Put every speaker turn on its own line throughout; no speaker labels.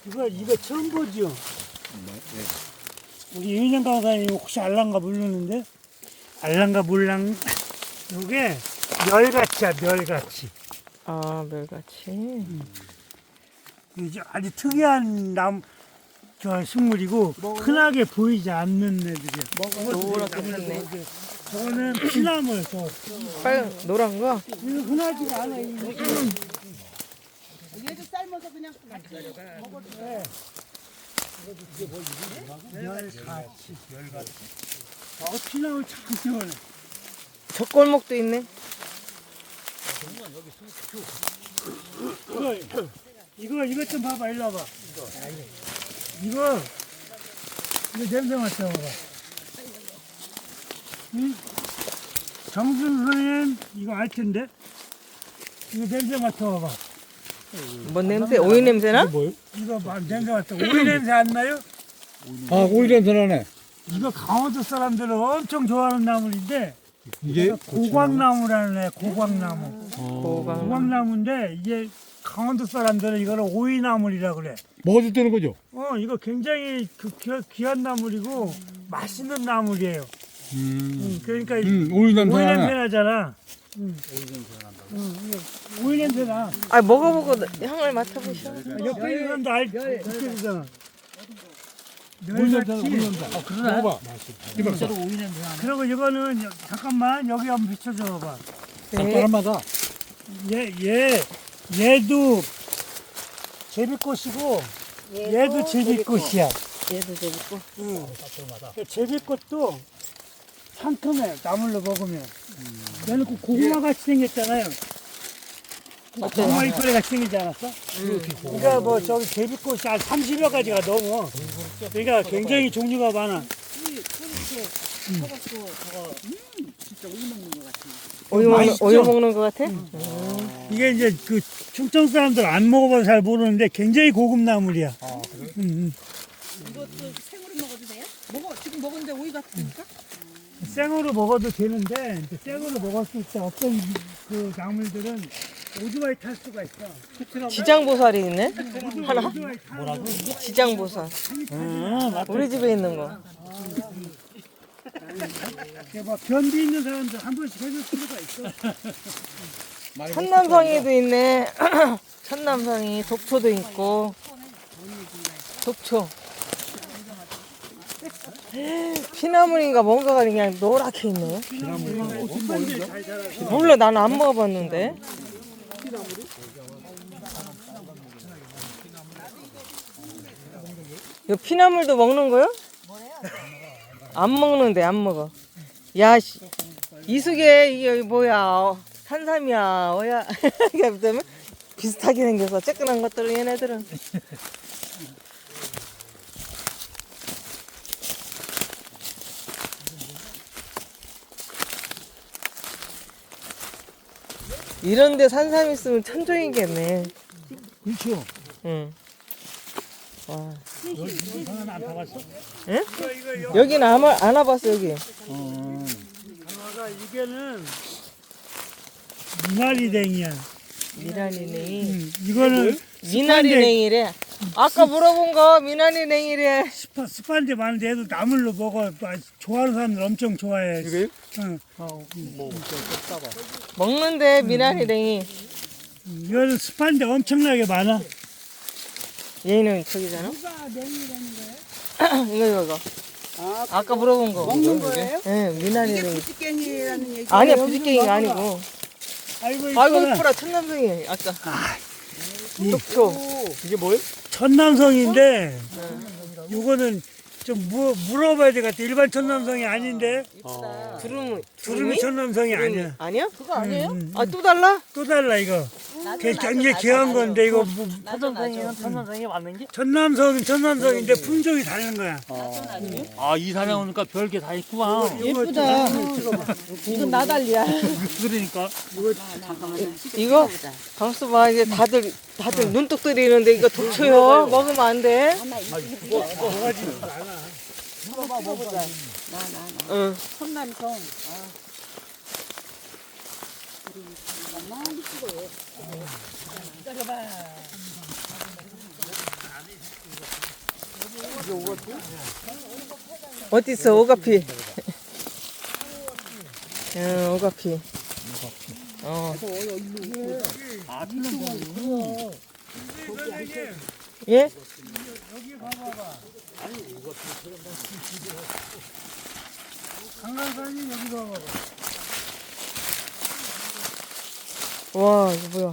이거 처음 보죠? 우리 윤영 강사님 혹시 알랑가 모르는데? 알랑가 몰랑, 요게 멸가치야, 멸가치.
아, 멸같이.
이게 아주 특이한 저 식물이고, 흔하게 보이지 않는 애들이야.
노랗게 폈네.
저거는 피나물, 저.
빨간, 노란 거?
이거 흔하지가 않아.
얘도 삶아서 그냥 먹어도 돼.
멸가치. 피나물 참 시원해.
젖골목도 있네.
이거 좀 봐봐, 일로 와봐. 이거 냄새 맡아봐봐. 응? 정순 선생님, 이거 알 텐데? 이거 냄새 맡아봐봐.
뭔 냄새? 오이 냄새나?
이거 냄새 맡아. 오이 냄새 안 나요?
아, 오이 냄새 나네.
이거 강원도 사람들은 엄청 좋아하는 나물인데,
이게
고광나무라는 애, 고광나무.
고강.
고광나무인데, 이게 강원도 사람들은 이거를 오이나물이라고 그래.
먹어도 되는 거죠?
이거 굉장히 귀한 나물이고 맛있는 나물이에요. 그러니까
오이 냄새
오이 냄새
나네.
나잖아. 오이 냄새 나.
아, 먹어보고 향을 맡아보셔.
옆에 있는 사람도 느껴지잖아.
오이 냄새 나네, 오이 냄새. 먹어봐.
그리고 이거는 잠깐만 여기 한번 비춰줘 봐.
네.
사람마다.
얘도 제비꽃이고 얘도 제비꽃이야.
얘도 재밌고.
제비꽃도 상큼해, 나물로 먹으면. 얘는 그 고구마 같이 생겼잖아요. 고구마 이파리 같이 생기지 않았어? 그러니까 뭐 저기 제비꽃이 한 30여 가지가 넘어. 그러니까 굉장히 종류가 많아.
오이 먹는 거 같아?
이게 이제 그 충청 사람들 안 먹어봐서 잘 모르는데 굉장히 고급 나물이야.
이것도 생으로 먹어도 돼요? 지금 먹었는데 오이 같으니까?
생으로 먹어도 되는데 이제 생으로 먹었을 때 어떤 그 나물들은 오토바이 탈 수가 있어.
지장보살이 있네? 하나?
뭐라고?
지장보살. 우리 집에 있는 거.
뭐 변비 있는 사람들 한 번씩 해줄 필요가 있어.
천남성이도 있네. 천남성이, 독초도 있고. 독초. 피나물인가 뭔가가 그냥 노랗게 있네. 몰라, 나는 안 먹어봤는데. 이 피나물도 먹는 거요? 안 먹는데, 안 먹어. 야, 이숙에 이게 뭐야? 산삼이야, 뭐야? 이게 무슨 비슷하게 생겨서 쬐끈한 것들은 얘네들은. 이런데 산삼 있으면 천종이겠네.
그렇죠.
응. 와.
여기 안 타봤어?
응?
이거
여기는 안 와봤어, 여기.
강화가 이게는 미나리댕이야.
미나리냉이.
이거는
미나리냉이래. 아까 물어본 거 미나리냉이래.
습한데 많은데 얘도 나물로 먹어. 좋아하는 사람들 엄청 좋아해.
이게?
응.
먹는데 미나리냉이.
이거는 습한데 엄청나게 많아.
얘는 저기잖아. 이거. 아까 물어본 거.
먹는 거예요?
네, 미나리냉이.
부지깽이라는 얘기.
아니야, 부지깽이가 아니고.
아이고
아이고,
이쁘다.
이쁘라, 천남성이. 아까. 독초.
이게 뭐예요?
천남성인데 요거는 좀 물어봐야 될 것 같아. 일반 천남성이 아닌데 두루미 천남성이 아니야.
아니야?
그거 아니에요?
아, 또 달라?
또 달라 이거. 굉장히 귀한 건데 이거
천남성이 맞는 게?
천남성은 천남성인데 품종이 다른 거야.
아, 이 산에 오니까 별게 다 있구만.
예쁘다. 이건 나달리야.
그러니까.
이거 방수 봐, 이제 다들 눈독 들이는데 이거 독초요. 먹으면 안 돼.
먹어보자.
응.
천남성.
어디 있어 오가피? 응 오가피. 예?
여기 봐봐봐. 강강산이 여기 봐봐봐.
와 이거 뭐야?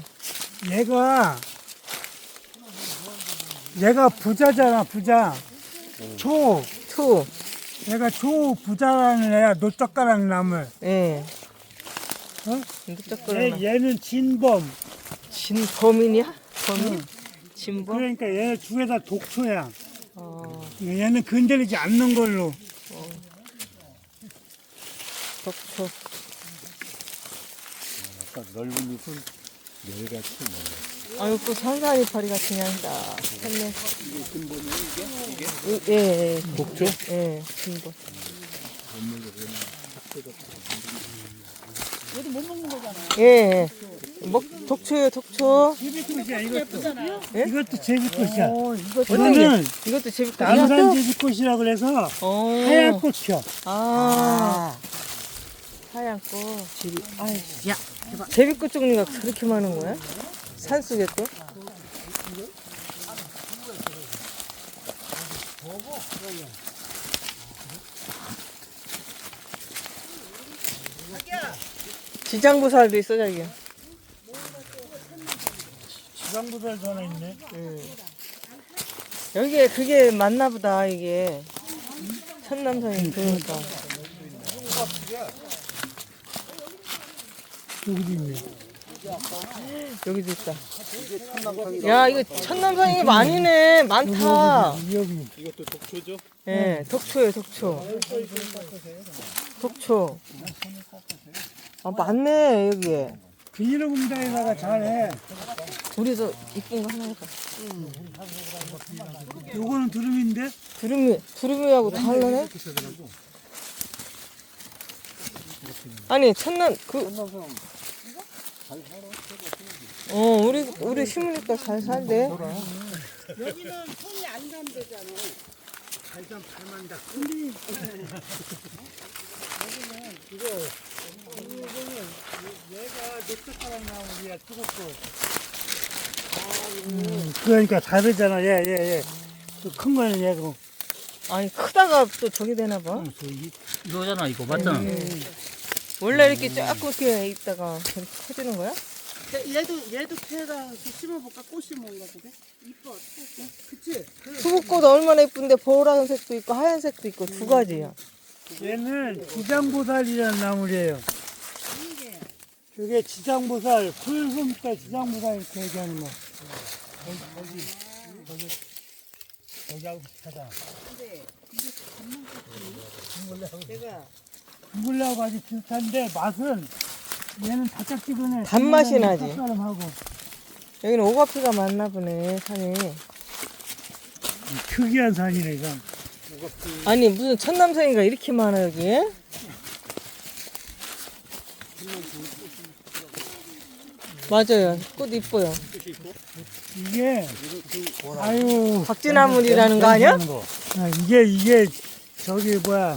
얘가 부자잖아, 부자. 초.
투.
얘가 초 부자라는 애야, 노젓가락 나물.
예.
어?
늑적거리나.
얘는 진범.
진범인이야? 범인? 진범?
그러니까 얘네 두 개 다 독초야.
어,
얘는 건드리지 않는 걸로.
독초.
넓은 잎은 매일같이
아유, 그 산사이파리 같은 향이다. 했네. 이게 근본이에요, 이게? 예, 예.
독초?
예, 근본.
얘도 못 먹는 거잖아요.
예, 예. 독초요, 독초.
제비꽃이야, 이것도.
예?
이것도 제비꽃이야.
이거는,
이거는
이것도 재밌다.
남산 제비꽃이라고 그래서 하얀 꽃 펴.
아. 하얀 꽃. 야, 제비꽃 종류가 그렇게 많은 거야? 산속에 꽃? 지장보살도 있어, 자기야.
지방보살도 하나 있네.
여기에 그게 맞나 보다, 이게. 천남성이 그러니까.
여기도 있네.
여기도 있다. 야, 이거 천남성이 많이네. 많다.
여기.
이것도 독초죠?
예, 독초예요, 독초. 독초. 아, 많네, 여기에.
비닐로 공장에다가 잘해.
우리도 이쁜 거 하나 해봐.
요거는 두릅인데?
두루미하고 다르네? 아니, 우리 심으니까 잘 살대.
여기는 손이 안 간대잖아.
발산 발만다. 얘가 녹색가락 나무야, 뜨겁고. 그러니까 다르잖아, 얘. 큰 거는 얘고.
아니, 크다가 또 저기 되나 봐.
이거잖아, 이거 맞잖아.
원래 이렇게 조금 이렇게 있다가 저렇게 커지는 거야?
얘도 캐다 심어볼까? 꽃 심어온가 보게? 이뻐. 그치?
수국꽃 얼마나 예쁜데 보라색도 있고 하얀색도 있고 두 가지야.
얘는 지장보살이라는 나물이에요. 그게 지장보살, 풀숨 때 지장보살 이렇게 얘기하는 거. 거기하고 비슷하다. 둥글레하고 아주 비슷한데 맛은 얘는 달짝지근해.
단맛이 나지.
쌉싸름하고.
여기는 오가피가 많나 보네, 산이.
특이한 산이네, 이건.
아니, 무슨 천남성이가 이렇게 많아, 여기에? 맞아요. 꽃 이뻐요.
이게, 아유.
박쥐나물이라는 거 아니야?
이게, 저기, 뭐야.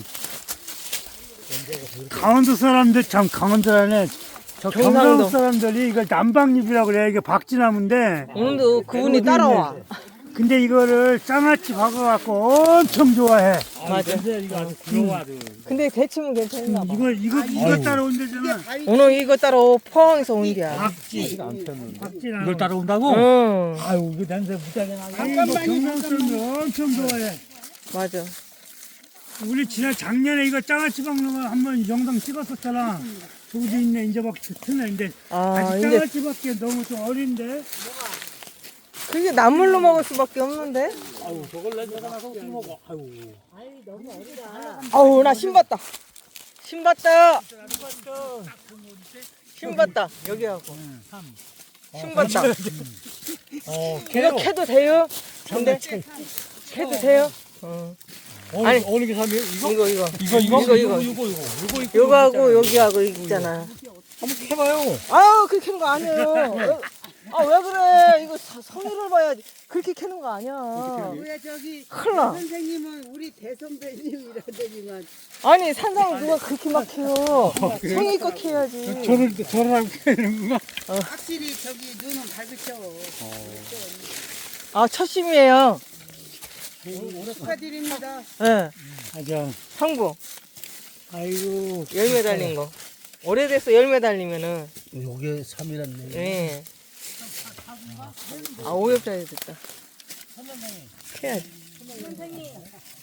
강원도 사람들, 참, 강원도라네. 저
경상도.
경상도 사람들이 이걸 남방잎이라고 그래. 이게 박쥐나무인데.
오늘도 그분이 따라와.
근데 이거를 장아찌 박아갖고 엄청 좋아해.
맞아.
이거 아주 부러워.
근데 데치면 괜찮나 봐.
이거 따라온대잖아.
오늘 이거 따라 포항에서 온 게야.
박쥐나무.
이걸 따라온다고?
응,
아유, 이거 냄새 무지하게 나네. 경상도 사람들 엄청 좋아해.
맞아.
우리 작년에 이거 장아찌 박는 거 한번 영상 찍었었잖아. 저기도 있네, 이제 막 트네. 근데
아,
아직
이제
장아찌 밖에 너무 좀 어린데.
그게 나물로 먹을 수밖에 없는데?
아유, 저걸 내가 나서 어떻게 먹어. 아유.
아우, 나 신봤다. 신봤다. 신봤다. 여기하고. 신봤다. 이거 캐도 돼요? 근데 캐도 돼요? 아니,
어느 게 삼이에요? 이거?
이거.
이거.
요거하고 여기하고 있잖아.
한번 해봐요.
아유, 그렇게 한 거 아니에요. 아 왜 그래? 이거 성의를 봐야지. 그렇게 캐는 거 아니야.
왜 저기
큰일 나.
선생님은 우리 대선배님이라더니만
아니 산삼 누가 그렇게 막 캐요. 성의껏 캐야지.
저를 하고 캐는구나.
확실히 저기 눈은 밝으셔.
아 첫심이에요.
축하드립니다.
예.
아자,
상부
아이고.
열매 달린 거. 오래돼서 열매 달리면은
요게 3이랐네.
예. 아 오엽짜리 됐다. 캐야지.